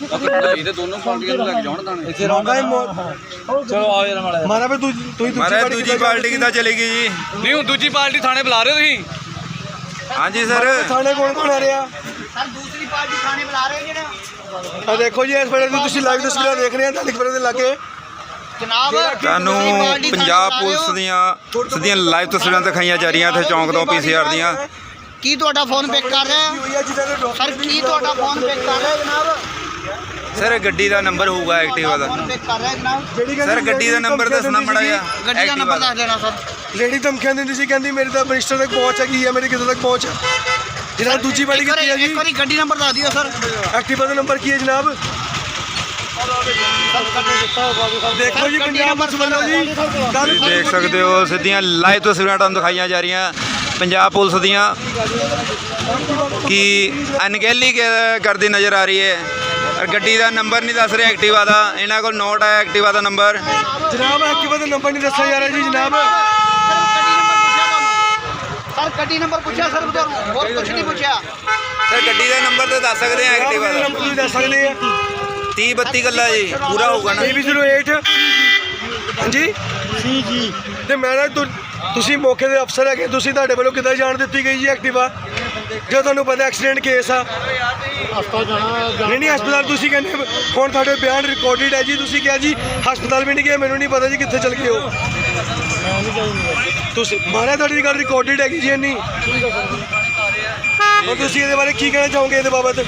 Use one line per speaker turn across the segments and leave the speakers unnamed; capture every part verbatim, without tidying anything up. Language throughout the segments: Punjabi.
ਇਹਦੇ ਦੋਨੋਂ ਪਾਰਟੀਆਂ ਨੂੰ ਲੱਗ ਜਾਣ ਦਾਣੇ
ਇੱਥੇ ਰੌਂਦਾ ਚਲੋ ਆਓ ਯਾਰ ਮਾੜਾ ਮਾਰਾ ਵੀ ਤੂੰ ਤੁਸੀਂ
ਮਾਰਾ ਦੂਜੀ ਪਾਰਟੀ ਕਿੱਦਾਂ ਚਲੇਗੀ ਜੀ?
ਨਹੀਂ ਹੁਣ ਦੂਜੀ ਪਾਰਟੀ ਥਾਣੇ ਬੁਲਾ ਰਹੇ ਹੋ ਤੁਸੀਂ?
ਹਾਂਜੀ ਸਰ
ਥਾਣੇ ਕੌਣ ਕੌਣ ਆ ਰਿਹਾ
ਸਰ ਦੂਸਰੀ ਪਾਰਟੀ ਥਾਣੇ ਬੁਲਾ ਰਹੇ ਜਿਹੜਾ
ਆ ਦੇਖੋ ਜੀ ਇਸ ਵੇਲੇ ਤੁਸੀਂ ਲਾਈਵ ਤਸਵੀਰਾਂ ਦੇਖ ਰਹੇ ਆ ਢਾਲੀਪੁਰੇ ਦੇ ਲਾਗੇ
ਜਨਾਬ
ਤੁਹਾਨੂੰ ਪੰਜਾਬ ਪੁਲਿਸ ਦੀਆਂ ਸਿੱਧੀਆਂ ਲਾਈਵ ਤਸਵੀਰਾਂ ਦਿਖਾਈਆਂ ਜਾ ਰਹੀਆਂ ਇੱਥੇ ਚੌਂਕ ਤੋਂ ਪੀਸੀਆਰ ਦੀਆਂ।
ਕੀ ਤੁਹਾਡਾ ਫੋਨ ਪਿਕ ਕਰ ਰਿਹਾ ਸਰ? ਕੀ ਤੁਹਾਡਾ ਫੋਨ ਪਿਕ ਕਰ ਰਿਹਾ ਜਨਾਬ?
ਸਰ ਗੱਡੀ ਦਾ ਨੰਬਰ ਹੋਊਗਾ ਐਕਟਿਵਾ ਦਾ।
ਫੋਨ ਪਿਕ ਕਰ ਰਿਹਾ ਜਨਾਬ?
ਸਰ ਗੱਡੀ ਦਾ ਨੰਬਰ ਦੱਸਣਾ ਮੜਾ ਜਿਹਾ।
ਗੱਡੀ ਦਾ ਨੰਬਰ ਦੱਸ ਦੇਣਾ ਸਰ।
ਲੇਡੀ ਧਮਕੀਆਂ ਦਿੰਦੀ ਸੀ ਕਹਿੰਦੀ ਮੇਰੀ ਤਾਂ ਮਿਨਿਸਟਰ ਤੱਕ ਪਹੁੰਚ ਹੈਗੀ ਹੈ, ਮੇਰੀ ਕਿੱਥੇ ਤੱਕ ਪਹੁੰਚ ਹੈ ਜਨਾਬ? ਦੂਜੀ ਵਾਲੀ ਕਿੱਥੇ ਹੈ ਜੀ?
ਇੱਕ ਵਾਰੀ ਗੱਡੀ ਨੰਬਰ ਦੱਸ ਦਿਓ ਸਰ।
ਐਕਟਿਵਾ ਦਾ ਨੰਬਰ ਕੀ ਹੈ ਜਨਾਬ? ਦੇਖੋ ਜੀ ਪੰਜਾਬ ਪੁਲਿਸ ਵੱਲੋਂ ਜੀ
ਤੁਸੀਂ ਦੇਖ ਸਕਦੇ ਹੋ ਸਿੱਧੀਆਂ ਲਾਈਵ ਤਸਵੀਰਾਂ ਤੁਹਾਨੂੰ ਦਿਖਾਈਆਂ ਜਾ ਰਹੀਆਂ ਪੰਜਾਬ ਪੁਲਿਸ ਦੀਆਂ ਕਿ ਅਣਗਹਿਲੀ ਕਰਦੀ ਨਜ਼ਰ ਆ ਰਹੀ ਹੈ। ਔਰ ਗੱਡੀ ਦਾ ਨੰਬਰ ਨਹੀਂ ਦੱਸ ਰਿਹਾ ਐਕਟਿਵਾ ਦਾ, ਇਹਨਾਂ ਕੋਲ ਨੋਟ ਹੈ ਐਕਟਿਵਾ ਦਾ ਨੰਬਰ।
ਜਨਾਬ ਐਕਟਿਵਾ ਦਾ ਨੰਬਰ ਨਹੀਂ ਦੱਸਿਆ ਜਾ ਰਿਹਾ ਜੀ ਜਨਾਬ।
ਸਰ ਗੱਡੀ ਨੰਬਰ ਪੁੱਛਿਆ ਸਰ ਤੁਹਾਨੂੰ, ਹੋਰ ਕੁਝ ਨਹੀਂ ਪੁੱਛਿਆ
ਸਰ ਗੱਡੀ ਦਾ ਨੰਬਰ ਤਾਂ ਦੱਸ ਸਕਦੇ ਆ ਐਕਟਿਵਾ ਦਾ।
ਨੰਬਰ ਤੁਸੀਂ ਦੱਸ ਸਕਦੇ ਆ
ਤੀਹ ਬੱਤੀ ਗੱਲਾ ਜੀ ਪੂਰਾ ਹੋਊਗਾ ਨਾ?
ਏ ਬੀ ਜ਼ੀਰੋ ਏਟ ਹਾਂਜੀ ਸੀ ਜੀ। ਤੇ ਮੈਂ ਨਾ ਤੁਸੀਂ ਮੌਕੇ ਦੇ ਅਫਸਰ ਹੈਗੇ, ਤੁਸੀਂ ਤੁਹਾਡੇ ਵੱਲੋਂ ਕਿੱਦਾਂ ਜਾਣ ਦਿੱਤੀ ਗਈ ਜੀ ਐਕਟਿਵਾ ਜੋ ਤੁਹਾਨੂੰ ਪਤਾ ਐਕਸੀਡੈਂਟ ਕੇਸ ਆ? ਹਸਪਤਾਲ ਜਾਣਾ ਨਹੀਂ ਨਹੀਂ ਹਸਪਤਾਲ ਤੁਸੀਂ ਕਹਿੰਦੇ ਹੁਣ ਤੁਹਾਡੇ ਬਿਆਨ ਰਿਕਾਰਡਡ ਹੈ ਜੀ। ਤੁਸੀਂ ਕਿਹਾ ਜੀ ਹਸਪਤਾਲ ਵੀ ਨਹੀਂ ਗਏ, ਮੈਨੂੰ ਨਹੀਂ ਪਤਾ ਜੀ ਕਿੱਥੇ ਚਲ ਗਏ ਹੋ ਤੁਸੀਂ। ਮਾਰਿਆ ਤੁਹਾਡੀ ਗੱਲ ਰਿਕਾਰਡਡ ਹੈਗੀ ਜੀ ਇੰਨੀ। ਔਰ ਤੁਸੀਂ ਇਹਦੇ ਬਾਰੇ ਕੀ ਕਹਿਣਾ ਚਾਹੋਗੇ ਇਹਦੇ ਬਾਬਤ?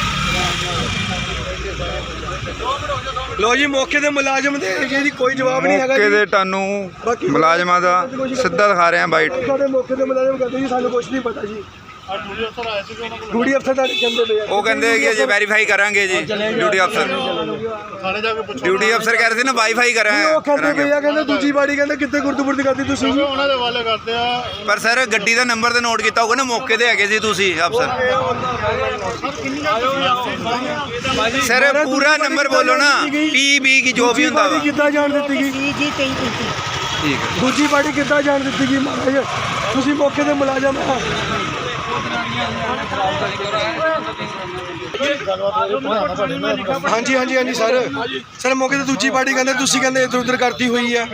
ਲੋ ਜੀ ਮੌਕੇ ਦੇ ਮੁਲਾਜ਼ਮ ਦੇ ਜੀ ਕੋਈ ਜਵਾਬ ਨਹੀਂ ਹੈਗਾ।
ਮੌਕੇ ਦੇ ਤੁਹਾਨੂੰ ਮੁਲਾਜ਼ਮਾਂ ਦਾ ਸਿੱਧਾ ਦਿਖਾ ਰਹੇ ਆ ਬਾਈਟ।
ਸਾਡੇ ਮੌਕੇ ਦੇ ਮੁਲਾਜ਼ਮ ਕਹਿੰਦੇ ਜੀ ਸਾਨੂੰ ਕੁਝ ਨਹੀਂ ਪਤਾ ਜੀ। ਡਿਊਟੀ ਅਫਸਰ ਤੁਹਾਡੇ ਕਹਿੰਦੇ ਪਏ
ਉਹ ਕਹਿੰਦੇ ਕਿ ਅਜੇ ਵੈਰੀਫਾਈ ਕਰਾਂਗੇ ਜੀ। ਡਿਊਟੀ ਅਫਸਰ ਡਿਊਟੀ ਅਫਸਰ ਕਹਿ ਰਹੇ ਸੀ ਨਾ ਵਾਈਫਾਈ ਕਰਾਂਗੇ।
ਉਹ ਕਹਿੰਦੇ ਪਏ ਆ ਕਹਿੰਦੇ ਦੂਜੀ ਬਾੜੀ ਕਹਿੰਦੇ ਕਿੱਥੇ ਗੁਰਦੁਪੁਰਦੀ ਕਰਦੀ ਤੁਸੀਂ ਜੀ?
ਉਹਨਾਂ ਦੇ ਹਵਾਲੇ ਕਰਦੇ ਆ।
ਪਰ ਸਰ ਗੱਡੀ ਦਾ ਨੰਬਰ ਤੇ ਨੋਟ ਕੀਤਾ ਹੋਊਗਾ ਨਾ, ਮੌਕੇ ਤੇ ਹੈਗੇ ਸੀ ਤੁਸੀਂ ਅਫਸਰ। ਸਰ ਪੂਰਾ ਨੰਬਰ ਬੋਲੋ ਨਾ, ਪੀ ਬੀ ਕੀ ਜੋ ਵੀ ਹੁੰਦਾ ਵਾ।
ਕਿੱਦਾਂ ਜਾਣ ਦਿੱਤੀ ਗਈ?
ਠੀਕ ਹੈ।
ਦੂਜੀ ਬਾੜੀ ਕਿੱਦਾਂ ਜਾਣ ਦਿੱਤੀ ਗਈ ਮਹਾਰਾਜ? ਤੁਸੀਂ ਮੌਕੇ ਦੇ ਮੁਲਾਜ਼ਮ ਆ। ਹਾਂਜੀ ਹਾਂਜੀ ਹਾਂਜੀ ਸਰ ਸਰ ਮੌਕੇ ਤੇ ਦੂਜੀ ਪਾਰਟੀ ਕਹਿੰਦੇ ਤੁਸੀਂ ਕਹਿੰਦੇ ਇੱਧਰ ਉੱਧਰ ਕਰਤੀ ਹੋਈ ਆ।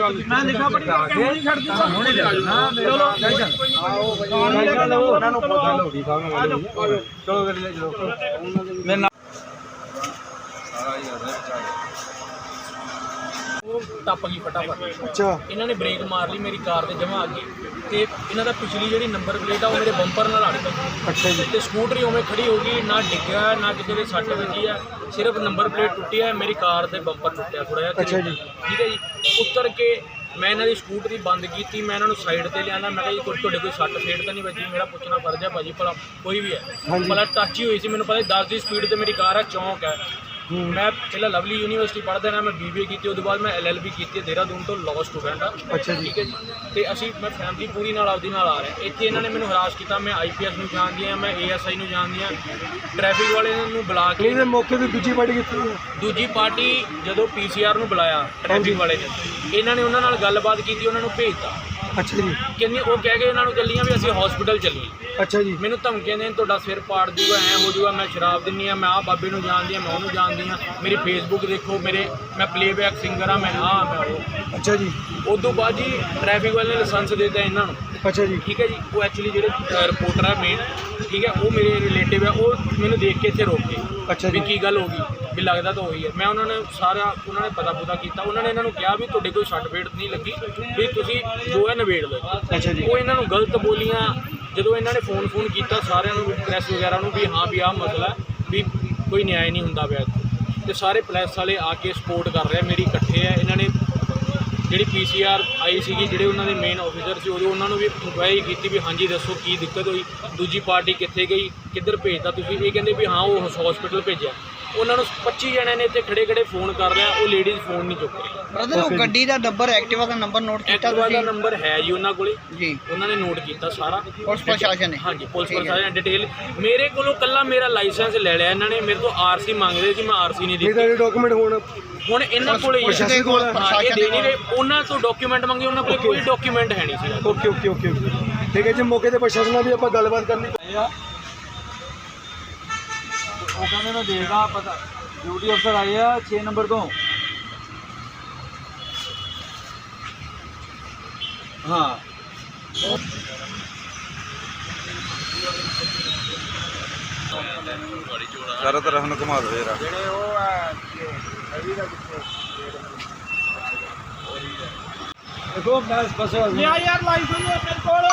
ਟੱਪ ਗਈ ਫਟਾਫਟ।
ਅੱਛਾ
ਇਹਨਾਂ ਨੇ ਬ੍ਰੇਕ ਮਾਰ ਲਈ ਮੇਰੀ ਕਾਰ ਦੇ ਜਮਾ ਅੱਗੇ, ਤੇ ਇਹਨਾਂ ਦਾ ਪਿਛਲੀ ਜਿਹੜੀ ਨੰਬਰ ਪਲੇਟ ਆ ਉਹ ਮੇਰੇ ਬੰਪਰ ਨਾਲ ਅੜ ਗਈ।
ਅੱਛਾ ਜੀ।
ਤੇ ਸਕੂਟਰੀ ਉਵੇਂ ਖੜੀ ਹੋ ਗਈ, ਨਾ ਡਿੱਗਿਆ ਨਾ ਕਿਸੇ ਦੇ ਸੱਟ ਵੱਜੀ ਆ, ਸਿਰਫ ਨੰਬਰ ਪਲੇਟ ਟੁੱਟੀ ਹੈ, ਮੇਰੀ ਕਾਰ ਦੇ ਬੰਪਰ ਟੁੱਟਿਆ ਥੋੜਾ ਜਿਹਾ।
ਅੱਛਾ ਜੀ।
ਠੀਕ ਹੈ ਜੀ। ਉੱਤਰ ਕੇ ਮੈਂ ਇਹਨਾਂ ਦੀ ਸਕੂਟਰੀ ਬੰਦ ਕੀਤੀ, ਮੈਂ ਇਹਨਾਂ ਨੂੰ ਸਾਈਡ ਤੇ ਲਿਆਂਦਾ। ਮੈਂ ਕਿਹਾ ਜੀ ਕੋਈ ਤੁਹਾਡੇ ਕੋਈ ਸੱਟ ਫੇਟ ਤਾਂ ਨਹੀਂ ਵੱਜੀ? ਮੇਰਾ ਪੁੱਛਣਾ ਫਰਜ਼ ਹੈ ਭਾਜੀ, ਭਲਾ ਕੋਈ ਵੀ ਹੈ ਭਲਾ ਟੱਚ ਹੀ ਹੋਈ ਸੀ। ਮੈਨੂੰ ਪਤਾ ਦਸ ਦੀ ਸਪੀਡ ਤੇ ਮੇਰੀ ਕਾਰ ਹੈ, ਚੌਂਕ ਹੈ। ਮੈਂ ਪਹਿਲਾਂ ਲਵਲੀ ਯੂਨੀਵਰਸਿਟੀ ਪੜ੍ਹਦਾ ਨਾ, ਮੈਂ ਬੀ ਬੀ ਏ ਕੀਤੀ, ਉਹਦੇ ਬਾਅਦ ਮੈਂ ਐਲ ਐਲ ਬੀ ਕੀਤੀ ਦੇਹਰਾਦੂਨ ਤੋਂ, ਲਾਅ ਸਟੂਡੈਂਟ ਆ।
ਅੱਛਾ ਜੀ।
ਠੀਕ ਹੈ ਜੀ। ਤੇ ਅਸੀਂ ਮੈਂ ਫੈਮਿਲੀ ਪੂਰੀ ਨਾਲ ਆਪਦੀ ਨਾਲ ਆ ਰਿਹਾ। ਇੱਥੇ ਇਹਨਾਂ ਨੇ ਮੈਨੂੰ ਹਰਾਸ ਕੀਤਾ। ਮੈਂ ਆਈ ਪੀ ਐਸ ਨੂੰ ਜਾਣਦੀ ਹਾਂ, ਮੈਂ ਏ ਐਸ ਆਈ ਨੂੰ ਜਾਣਦੀ ਹਾਂ। ਟ੍ਰੈਫਿਕ ਵਾਲੇ ਨੂੰ ਬੁਲਾ ਕੇ
ਇਹਦੇ ਮੌਕੇ ਤੇ ਦੂਜੀ ਪਾਰਟੀ ਕਿੱਥੇ ਹੈ?
ਦੂਜੀ ਪਾਰਟੀ ਜਦੋਂ ਪੀ ਸੀ ਆਰ ਨੂੰ ਬੁਲਾਇਆ ਟ੍ਰੈਫਿਕ ਵਾਲੇ ਨੇ, ਇਹਨਾਂ ਨੇ ਉਹਨਾਂ ਨਾਲ ਗੱਲਬਾਤ ਕੀਤੀ, ਉਹਨਾਂ ਨੂੰ ਭੇਜਤਾ।
ਅੱਛਾ ਜੀ।
ਕਹਿੰਦੀ ਉਹ ਕਹਿ ਕੇ ਇਹਨਾਂ ਨੂੰ ਚੱਲੀਆਂ ਵੀ ਅਸੀਂ ਹਸਪੀਟਲ ਚੱਲੀਏ।
ਅੱਛਾ ਜੀ।
ਮੈਨੂੰ ਧਮਕੀਆਂ ਦੇਣ ਤੁਹਾਡਾ ਸਿਰ ਪਾੜ ਦੂਗਾ, ਐਂ ਹੋ ਜੂਗਾ, ਮੈਂ ਸ਼ਰਾਬ ਦਿੰਨੀ ਆ, ਮੈਂ ਆਹ ਬਾਬੇ ਨੂੰ ਜਾਣਦੀ ਹਾਂ, ਮੈਂ ਉਹਨੂੰ ਜਾਣਦੀ ਹਾਂ, ਮੇਰੀ ਫੇਸਬੁੱਕ ਦੇਖੋ, ਮੇਰੇ ਮੈਂ ਪਲੇਬੈਕ ਸਿੰਗਰ ਆ, ਮੈਂ ਆਹ ਮੈਂ ਉਹ।
ਅੱਛਾ ਜੀ।
ਉਦੋਂ ਬਾਅਦ ਜੀ ਟ੍ਰੈਫਿਕ ਵਾਲੇ ਨੇ ਲਾਇਸੈਂਸ ਦੇ ਦਿੱਤਾ ਇਹਨਾਂ ਨੂੰ।
ਅੱਛਾ ਜੀ।
ਠੀਕ ਹੈ ਜੀ। ਉਹ ਐਕਚੁਅਲੀ ਜਿਹੜੇ ਰਿਪੋਰਟਰ ਆ ਮੇਨ, ਠੀਕ ਹੈ, ਉਹ ਮੇਰੇ ਰਿਲੇਟਿਵ ਆ, ਉਹ ਮੈਨੂੰ ਦੇਖ ਕੇ ਇੱਥੇ ਰੋਕ ਗਏ।
ਅੱਛਾ
ਵੀ
ਜੀ।
ਕੀ ਗੱਲ ਹੋ ਗਈ, ਵੀ ਲੱਗਦਾ ਤਾਂ ਉਹੀ ਹੈ। ਮੈਂ ਉਹਨਾਂ ਨੇ ਸਾਰਾ ਉਹਨਾਂ ਨੇ ਪਤਾ ਪੁਤਾ ਕੀਤਾ। ਉਹਨਾਂ ਨੇ ਇਹਨਾਂ ਨੂੰ ਕਿਹਾ ਵੀ ਤੁਹਾਡੇ ਕੋਈ ਸੱਟ ਫੇਟ ਨਹੀਂ ਲੱਗੀ, ਵੀ ਤੁਸੀਂ ਜੋ ਹੈ ਨਿਬੇੜ ਲਓ।
ਅੱਛਾ ਜੀ।
ਉਹ ਇਹਨਾਂ ਨੂੰ ਗਲਤ ਬੋਲੀਆਂ। ਜਦੋਂ ਇਹਨਾਂ ਨੇ ਫੋਨ ਫੋਨ ਕੀਤਾ ਸਾਰਿਆਂ ਨੂੰ, ਪ੍ਰੈਸ ਵਗੈਰਾ ਨੂੰ, ਵੀ ਹਾਂ ਵੀ ਆਹ ਮਸਲਾ ਵੀ ਕੋਈ ਨਿਆਂ ਨਹੀਂ ਹੁੰਦਾ ਪਿਆ ਇੱਥੇ, ਤੇ ਸਾਰੇ ਪ੍ਰੈਸ ਵਾਲੇ ਆ ਕੇ ਸਪੋਰਟ ਕਰ ਰਹੇ ਮੇਰੀ, ਇਕੱਠੇ ਆ। ਇਹਨਾਂ ਨੇ ਜਿਹੜੀ ਪੀ ਸੀ ਆਰ ਆਈ ਸੀਗੀ, ਜਿਹੜੇ ਉਹਨਾਂ ਦੇ ਮੇਨ ਆਫੀਸਰ ਸੀ, ਉਦੋਂ ਉਹਨਾਂ ਨੂੰ ਵੀ ਇਨਕੁਆਇਰੀ ਕੀਤੀ ਵੀ ਹਾਂਜੀ ਦੱਸੋ ਕੀ ਦਿੱਕਤ ਹੋਈ, ਦੂਜੀ ਪਾਰਟੀ ਕਿੱਥੇ ਗਈ, ਕਿੱਧਰ ਭੇਜਤਾ ਤੁਸੀਂ? ਇਹ ਕਹਿੰਦੇ ਵੀ ਹਾਂ ਉਹ ਹਸਪੀਟਲ ਭੇਜਿਆ। ਉਹਨਾਂ ਨੂੰ ਪੱਚੀ ਜਣਿਆਂ ਨੇ ਇੱਥੇ ਖੜੇ ਖੜੇ ਫੋਨ ਕਰ ਰਿਹਾ, ਉਹ ਲੇਡੀਜ਼ ਫੋਨ ਨਹੀਂ ਚੁੱਕ ਰਹੀ।
ਬ੍ਰਦਰ ਉਹ ਗੱਡੀ ਦਾ ਨੰਬਰ ਐਕਟਿਵਾ ਦਾ ਨੰਬਰ ਨੋਟ ਕੀਤਾ
ਐਕਟਿਵਾ ਦਾ
ਤੁਸੀਂ?
ਨੰਬਰ ਹੈ ਜੀ ਉਹਨਾਂ ਕੋਲੇ
ਜੀ।
ਉਹਨਾਂ ਨੇ ਨੋਟ ਕੀਤਾ ਸਾਰਾ।
ਪੁਲਿਸ ਪ੍ਰਸ਼ਾਸਨ ਨੇ?
ਹਾਂਜੀ ਪੁਲਿਸ ਪ੍ਰਸ਼ਾਸਨ ਡਿਟੇਲ। ਮੇਰੇ ਕੋਲੋਂ ਕੱਲਾ ਮੇਰਾ ਲਾਇਸੈਂਸ ਲੈ ਲਿਆ ਇਹਨਾਂ ਨੇ, ਮੇਰੇ ਤੋਂ ਆਰ ਸੀ ਮੰਗਦੇ ਸੀ, ਮੈਂ ਆਰ ਸੀ ਨਹੀਂ
ਇਹ
ਦਿੱਤੀ।
ਤਾਂ ਡਾਕੂਮੈਂਟ ਹੋਣ
ਹੁਣ ਇਹਨਾਂ ਕੋਲੇ ਹੀ
ਪ੍ਰਸ਼ਾਸਨ ਕੋਲ
ਹਾਂ, ਇਹ ਦੇ ਨਹੀਂ ਰਹੇ। ਉਹਨਾਂ ਤੋਂ ਡਾਕੂਮੈਂਟ ਮੰਗੇ, ਉਹਨਾਂ ਕੋਲ ਕੋਈ ਡਾਕੂਮੈਂਟ ਹੈ ਨਹੀਂ ਸੀ।
ਓਕੇ ਓਕੇ ਓਕੇ ਓਕੇ ਠੀਕ ਹੈ ਜੀ। ਮੌਕੇ ਤੇ ਪ੍ਰਸ਼ਾਸਨ ਨਾਲ ਵੀ ਆਪਾਂ ਗੱਲਬਾਤ ਕਰਨੀ।
ਉਹ ਕਹਿੰਦੇ ਮੈਂ ਦੇਖਦਾ ਪਤਾ
ਡਿਊਟੀ ਅਫਸਰ ਆਏ ਆ ਛੇ ਨੰਬਰ ਤੋਂ। ਹਾਂ
ਸਾਰਾ ਤਰ੍ਹਾਂ ਨੂੰ ਘੁਮਾ ਦੋ ਯਾਰ।
ਜਿਹੜੇ ਉਹ ਆ ਰਵੀ ਦਾ ਕਿੱਥੇ ਦੇਖੋ ਮੈਂ ਬਸ
ਯਾਰ ਯਾਰ ਲਾਇਸੈਂਸ ਹੈ ਮੇਰੇ ਕੋਲ।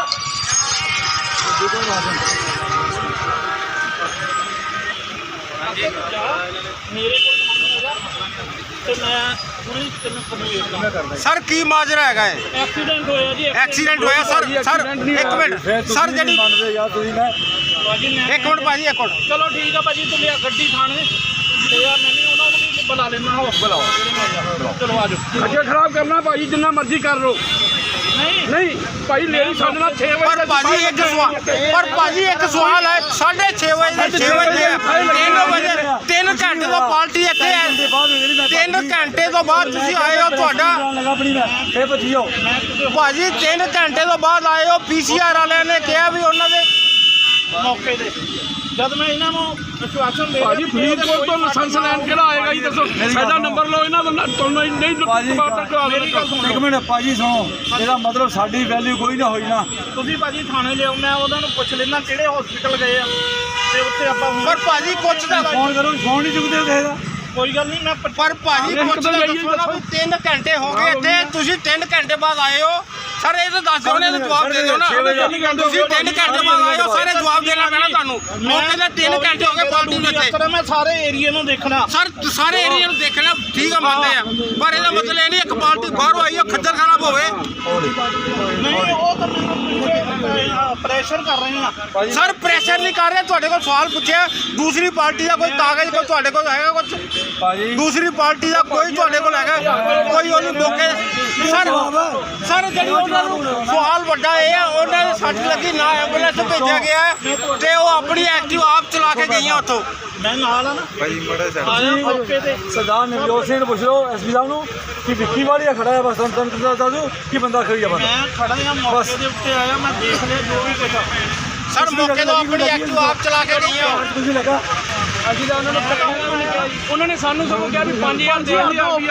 ਮੇਰੇ ਕੋਲ ਹੈਗਾ ਤੇ ਮੈਂ ਪੂਰੀ ਤੈਨੂੰ ਪਰਮਿਟ
ਸਰ ਕੀ ਮਾਜਰਾ ਹੈਗਾ ਹੈ?
ਐਕਸੀਡੈਂਟ ਹੋਇਆ ਜੀ।
ਐਕਸੀਡੈਂਟ ਹੋਇਆ ਸਰ ਸਰ ਇੱਕ ਮਿੰਟ ਸਰ ਜਿਹੜੀ
ਮੰਨਦੇ ਯਾਰ ਤੁਸੀਂ ਨਾ
ਭਾਜੀ ਮੈਂ
ਇੱਕ ਮਿੰਟ ਭਾਜੀ ਇੱਕ ਮਿੰਟ
ਚਲੋ ਠੀਕ ਆ ਭਾਜੀ ਤੁਸੀਂ ਆ ਗੱਡੀ ਥਾਣੇ ਤੇ ਆ ਮੈਂ ਵੀ ਉਹਨਾਂ ਨੂੰ ਵੀ ਬੁਲਾ ਲੈਣਾ ਹੋ ਬੁਲਾਓ ਚਲੋ ਆ ਜਾਓ।
ਅੱਗੇ ਖਰਾਬ ਕਰਨਾ ਭਾਜੀ ਜਿੰਨਾ ਮਰਜ਼ੀ ਕਰ ਲਓ।
ਨਹੀਂ
ਨਹੀਂ ਭਾਈ ਲੇਡੀ ਸਾਡੇ ਨਾਲ ਛੇ ਵਜੇ
ਪਰ ਭਾਜੀ ਇੱਕ ਸਵਾਲ ਪਰ ਭਾਜੀ ਇੱਕ ਸਵਾਲ ਹੈ ਸਾਢੇ ਛੇ ਵਜੇ ਦੇ ਛੇ ਵਜੇ ਤਿੰਨ ਵਜੇ ਤਿੰਨ ਘੰਟੇ ਤੋਂ ਪਾਰਟੀ ਇੱਥੇ ਹੈ ਤਿੰਨ ਘੰਟੇ ਤੋਂ ਬਾਅਦ ਤੁਸੀਂ ਆਏ ਹੋ ਤੁਹਾਡਾ
ਆਪਣੀ ਮੈਂ ਫੇਰ ਭੱਜੀਓ
ਭਾਜੀ ਤਿੰਨ ਘੰਟੇ ਤੋਂ ਬਾਅਦ ਆਏ ਹੋ ਪੀਸੀਆਰ ਵਾਲਿਆਂ ਨੇ ਕਿਹਾ ਵੀ ਉਹਨਾਂ ਦੇ
ਮੌਕੇ ਤੇ ਜਦ ਮੈਂ ਇਹਨਾਂ ਨੂੰ ਵਿਸ਼ਵਾਸਨ ਦੇ
ਭਾਜੀ ਫਰੀਦਕੋਟ ਤੋਂ ਲਾਇਸੈਂਸ ਲੈਣ ਕਿਹੜਾ ਆਏਗਾ ਜੀ ਦੱਸੋ ਸਾਡਾ ਨੰਬਰ ਲਓ ਇਹਨਾਂ ਦਾ ਤੁਹਾਨੂੰ ਨਹੀਂ ਟਮਾਟਰ ਕਰਾ ਦੇਣਾ।
ਇੱਕ ਮਿੰਟ ਭਾਜੀ ਸੁਣੋ ਇਹਦਾ ਮਤਲਬ ਸਾਡੀ ਵੈਲਿਊ ਕੋਈ ਨਾ ਹੋਈ ਨਾ।
ਤੁਸੀਂ ਭਾਜੀ ਥਾਣੇ ਲਿਆਓ ਮੈਂ ਉਹਨਾਂ ਨੂੰ ਪੁੱਛ ਲੈਣਾ ਕਿਹੜੇ ਹਸਪੀਟਲ ਗਏ ਆ ਤੇ ਉੱਥੇ ਆਪਾਂ ਹੁਣ-
ਪਰ ਭਾਜੀ ਕੁਛ ਦਾ
ਫੋਨ ਕਰੋ ਫੋਨ ਨਹੀਂ ਚੁੱਕਦੇ ਕਿਸੇ ਦਾ।
ਕੋਈ ਗੱਲ ਨਹੀਂ ਮੈਂ ਪ-
ਪਰ ਭਾਜੀ ਕੁਛ ਦਾ ਦੱਸੋ ਨਾ ਵੀ ਤਿੰਨ ਘੰਟੇ ਹੋ ਗਏ ਇੱਥੇ ਤੁਸੀਂ ਤਿੰਨ ਘੰਟੇ ਬਾਅਦ ਆਏ ਹੋ ਸਰ ਇਹ ਤਾਂ ਦੱਸ ਦਿਓ ਨੇ ਜਵਾਬ ਦੇ ਦਿਓ ਨਾ ਤੁਸੀਂ ਤਿੰਨ ਘੰਟੇ ਬਾਅਦ ਆਏ ਹੋ ਸਾਰੇ ਜਵਾਬ ਦੇਣਾ ਪੈਣਾ ਤੁਹਾਨੂੰ ਮੌਕੇ ਤੇ ਤਿੰਨ ਘੰਟੇ ਹੋ ਗਏ ਪਾਰਟੀ ਨੂੰ ਇੱਥੇ
ਸਰ ਮੈਂ ਸਾਰੇ ਏਰੀਆ ਨੂੰ ਦੇਖਣਾ।
ਸਰ ਸਾਰੇ ਏਰੀਆ ਨੂੰ ਦੇਖਣਾ ਠੀਕ ਆ ਮੰਨਦੇ ਆ ਪਰ ਇਹਦਾ ਮਤਲਬ ਇਹ ਨਹੀਂ ਇੱਕ ਪਾਰਟੀ ਬਾਹਰੋਂ ਆਈ ਹੈ ਖੱਜਲ ਖਰਾਬ ਹੋਵੇ।
ਨਹੀਂ ਉਹ ਤਾਂ ਮੈਨੂੰ ਪ੍ਰੈਸ਼ਰ ਕਰ ਰਹੇ ਆ।
ਸਰ ਪ੍ਰੈਸ਼ਰ ਨਹੀਂ ਕਰ ਰਹੇ ਤੁਹਾਡੇ ਕੋਲ ਸਵਾਲ ਪੁੱਛਿਆ ਦੂਸਰੀ ਪਾਰਟੀ ਦਾ ਕੋਈ ਕਾਗਜ਼ ਕੋਈ ਤੁਹਾਡੇ ਕੋਲ ਹੈਗਾ ਕੁਝ
ਭਾਜੀ
ਦੂਸਰੀ ਪਾਰਟੀ ਦਾ ਕੋਈ ਤੁਹਾਡੇ ਕੋਲ ਹੈਗਾ ਕੋਈ ਉਹਨੂੰ ਮੌਕੇ ਸਰ ਸਰ ਜਿਹੜੀ ਉਹਨਾਂ ਨੂੰ ਸਵਾਲ ਵੱਡਾ ਇਹ ਆ ਉਹਨਾਂ ਦੇ ਸੱਟ ਲੱਗੀ ਨਾ ਐਂਬੂਲੈਂਸ ਭੇਜਿਆ ਗਿਆ ਹੈ ਤੇ ਉਹ ਆਪਣੀ ਐਕਟਿਵ ਆਪ ਚਲਾ ਕੇ ਗਈਆਂ ਉੱਥੋਂ।
ਮੈਂ ਨਾਲ ਆ ਨਾ
ਭਾਈ ਮੜਾ
ਆ ਜਾ ਮੌਕੇ ਤੇ
ਸਰਦਾਰ ਨਵਜੋਤ ਸਿੰਘ ਨੂੰ ਪੁੱਛ ਲਓ ਐਸਪੀ ਸਾਹਿਬ ਨੂੰ ਕਿ ਵਿੱਕੀ ਵਾਲੀਆ ਖੜਾ ਹੈ ਬਸ ਤੁਹਾਨੂੰ ਤੁਹਾਨੂੰ ਦੱਸ ਦਿਓ ਕਿ ਬੰਦਾ ਖੜੀ ਆ ਬੰਦਾ।
ਮੈਂ ਖੜਾ ਆ ਮੌਕੇ ਦੇ ਉੱਤੇ ਆਇਆ ਮੈਂ ਦੇਖ ਲਿਆ ਜੋ ਵੀ ਕੁਝ ਆ।
ਸਰ ਮੌਕੇ ਤੋਂ ਆਪਣੀ ਐਕਟਿਵ ਆਪ ਚਲਾ ਕੇ ਗਈਆਂ।
ਤੁਸੀਂ ਲੱਗਾ
ਅਸੀਂ ਤਾਂ ਉਹਨਾਂ ਨੂੰ ਪਤਾ ਉਹਨਾਂ ਨੇ ਸਾਨੂੰ ਸਗੋਂ ਕਿਹਾ ਵੀ ਪੰਜ ਹਜ਼ਾਰ ਦੇ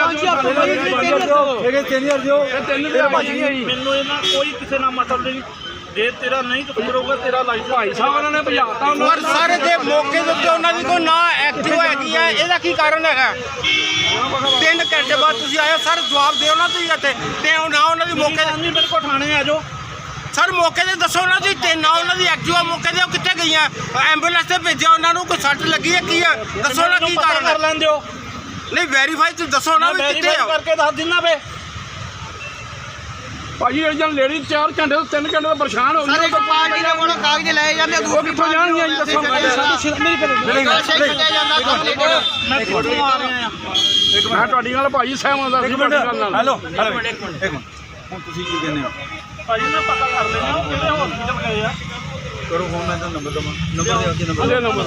ਇਹ ਤਿੰਨ ਹਜ਼ਾਰ ਦਿਓ
ਮੈਨੂੰ ਇਹਨਾਂ ਕੋਈ ਕਿਸੇ ਨਾਲ ਮਤਲਬ ਨਹੀਂ ਜੇ ਤੇਰਾ ਨਹੀਂ ਕਸੂਰ ਹੋਊਗਾ ਤੇਰਾ ਲਾਈਸੈਂਸ
ਭਾਈ ਸਾਹਿਬ ਉਹਨਾਂ ਨੇ ਭਜਾਤਾ
ਪਰ ਸਾਰੇ ਦੇ ਮੌਕੇ ਦੇ ਉੱਤੇ ਉਹਨਾਂ ਦੀ ਕੋਈ ਨਾ ਐਕਟਿਵ ਹੈਗੀ ਹੈ ਇਹਦਾ ਕੀ ਕਾਰਨ ਹੈਗਾ? ਤਿੰਨ ਘੰਟੇ ਬਾਅਦ ਤੁਸੀਂ ਆਏ ਹੋ ਸਰ ਜਵਾਬ ਦਿਓ ਨਾ ਤੁਸੀਂ ਇੱਥੇ ਤੇ ਨਾ ਉਹਨਾਂ ਦੀ ਮੌਕੇ ਤੇ
ਨਹੀਂ ਮੇਰੇ ਕੋਲ ਥਾਣੇ ਆ ਜਾਓ।
ਸਰ ਮੌਕੇ ਤੇ ਦੱਸੋ ਨਾ ਜੀ ਤੇ ਨਾ ਉਹਨਾਂ ਦੀ ਐਕਟਿਵਾ ਮੌਕੇ ਤੇ ਉਹ ਕਿੱਥੇ ਗਈਆਂ ਐਂਬੂਲੈਂਸ ਤੇ ਭੇਜਿਆ ਉਹਨਾਂ ਨੂੰ ਕੋਈ ਸੱਟ ਲੱਗੀ ਹੈ ਕੀ ਹੈ ਦੱਸੋ ਨਾ ਕੀ ਕਾਰਨ ਹੈ?
ਕਰ ਲੈਂਦੇ ਹੋ
ਨਹੀਂ ਵੈਰੀਫਾਈ ਤੁਸੀਂ ਦੱਸੋ ਨਾ ਵੀ ਕਿੱਥੇ ਆ
ਕਰਕੇ ਦੱਸ ਦਿਨਾ ਵੇ।
ਭਾਜੀ ਇਹ ਜਨ ਲੇਡੀ ਚਾਰ ਘੰਟੇ ਤੋਂ ਤਿੰਨ ਘੰਟੇ ਤੋਂ ਪਰੇਸ਼ਾਨ ਹੋ
ਸਰ ਇੱਕ ਪਾਰਟੀ ਦੇ ਕੋਲੋਂ ਕਾਗਜ਼ ਲਏ ਜਾਂਦੇ
ਉਹ ਕਿੱਥੋਂ ਜਾਣਗੀਆਂ ਜੀ ਦੱਸੋ
ਮੈਂ ਕਿੱਥੋਂ ਆ ਰਿਹਾ ਆ।
ਮੈਂ ਤੁਹਾਡੀ ਗੱਲ ਭਾਜੀ ਸਹਿਮਤ ਹਾਂ
ਇੱਕ ਮਿੰਟ ਹੈਲੋ ਹੈਲੋ ਇੱਕ ਮਿੰਟ ਹੁਣ ਤੁਸੀਂ ਕੀ ਕਹਿੰਦੇ ਹੋ?
ਭਾਜੀ ਮੈਂ ਪਤਾ ਕਰ ਲੈਣਾ ਉਹ ਕਿਹੜੇ ਹਸਪੀਟਲ ਗਏ ਆ।
ਕਰੋ ਫੋਨ ਮੈਂ ਤੁਹਾਨੂੰ ਨੰਬਰ ਦਵਾਂ ਨੰਬਰ ਦੇ ਅੱਗੇ ਨੰਬਰ
ਅਲੇ ਨੰਬਰ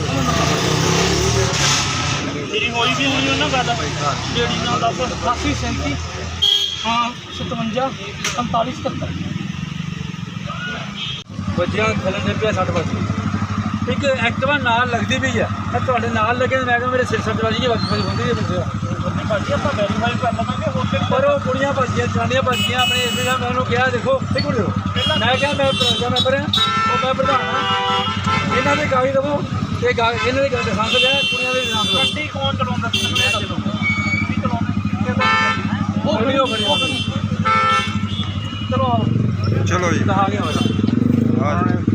ਮੇਰੀ ਹੋਈ ਵੀ ਹੋਈ ਉਹਨਾਂ ਗੱਲ ਜਿਹੜੀ ਨਾਲ ਦੱਸ ਅਠਾਸੀ ਸੈਂਤੀ ਹਾਂ ਸਤਵੰਜਾ ਪੰਤਾਲੀ ਸਤੱਤਰ
ਬੱਚਿਆਂ ਖਲਣ ਦੇ ਪਿਆ ਸੱਠ ਵਜੇ ਇੱਕ ਐਕਟਿਵਾ ਨਾਲ ਲੱਗਦੀ ਵੀ ਹੈ ਮੈਂ ਤੁਹਾਡੇ ਨਾਲ ਲੱਗੇ ਮੈਂ ਕਿਹਾ ਮੇਰੇ ਸਿਰ ਸੱਟ ਵੱਜ ਗਈ ਵਕਤ ਹੁੰਦੀ ਹੈ ਮੈਨੂੰ
ਭਾਜੀ ਆਪਾਂ ਵੈਰੀਫਾਈ ਕਰ ਲਵਾਂਗੇ ਹੋਰ ਤੇ
ਪਰ ਉਹ ਕੁੜੀਆਂ ਭੱਜੀਆਂ ਜਨਾਨੀਆਂ ਭੱਜੀਆਂ ਆਪਣੇ ਇਸ ਦਾ ਮੈਂ ਉਹਨੂੰ ਕਿਹਾ ਦੇਖੋ ਇੱਕ ਮਿੰਟ ਰੁਕੋ। ਮੈਂ ਕਿਹਾ ਮੈਂ ਪ੍ਰਧਾਨ ਮੈਂਬਰ ਹਾਂ ਉਹ ਮੈਂ ਪ੍ਰਧਾਨ ਹਾਂ ਇਹਨਾਂ ਦੇ ਕਾਗਜ਼ ਦੇਵੋ ਤੇ ਗਾ- ਇਹਨਾਂ ਦੇ ਕਾਗਜ਼ ਦਿਖਾ ਸਕਦੇ ਆ ਕੁੜੀਆਂ ਦੇ ਨਾਮ ਲਓ
ਗੱਡੀ ਕੌਣ ਚਲਾਉਂਦਾ ਤੁਸੀਂ ਦੱਸੋ ਕੀ ਚਲਾਉਂਦਾ
ਉਹ ਵੀਡੀਓ ਬਣੀ
ਚਲੋ
ਚਲੋ ਜੀ
ਦਿਖਾ ਗਿਆ ਮੇਰਾ
ਹਾਂ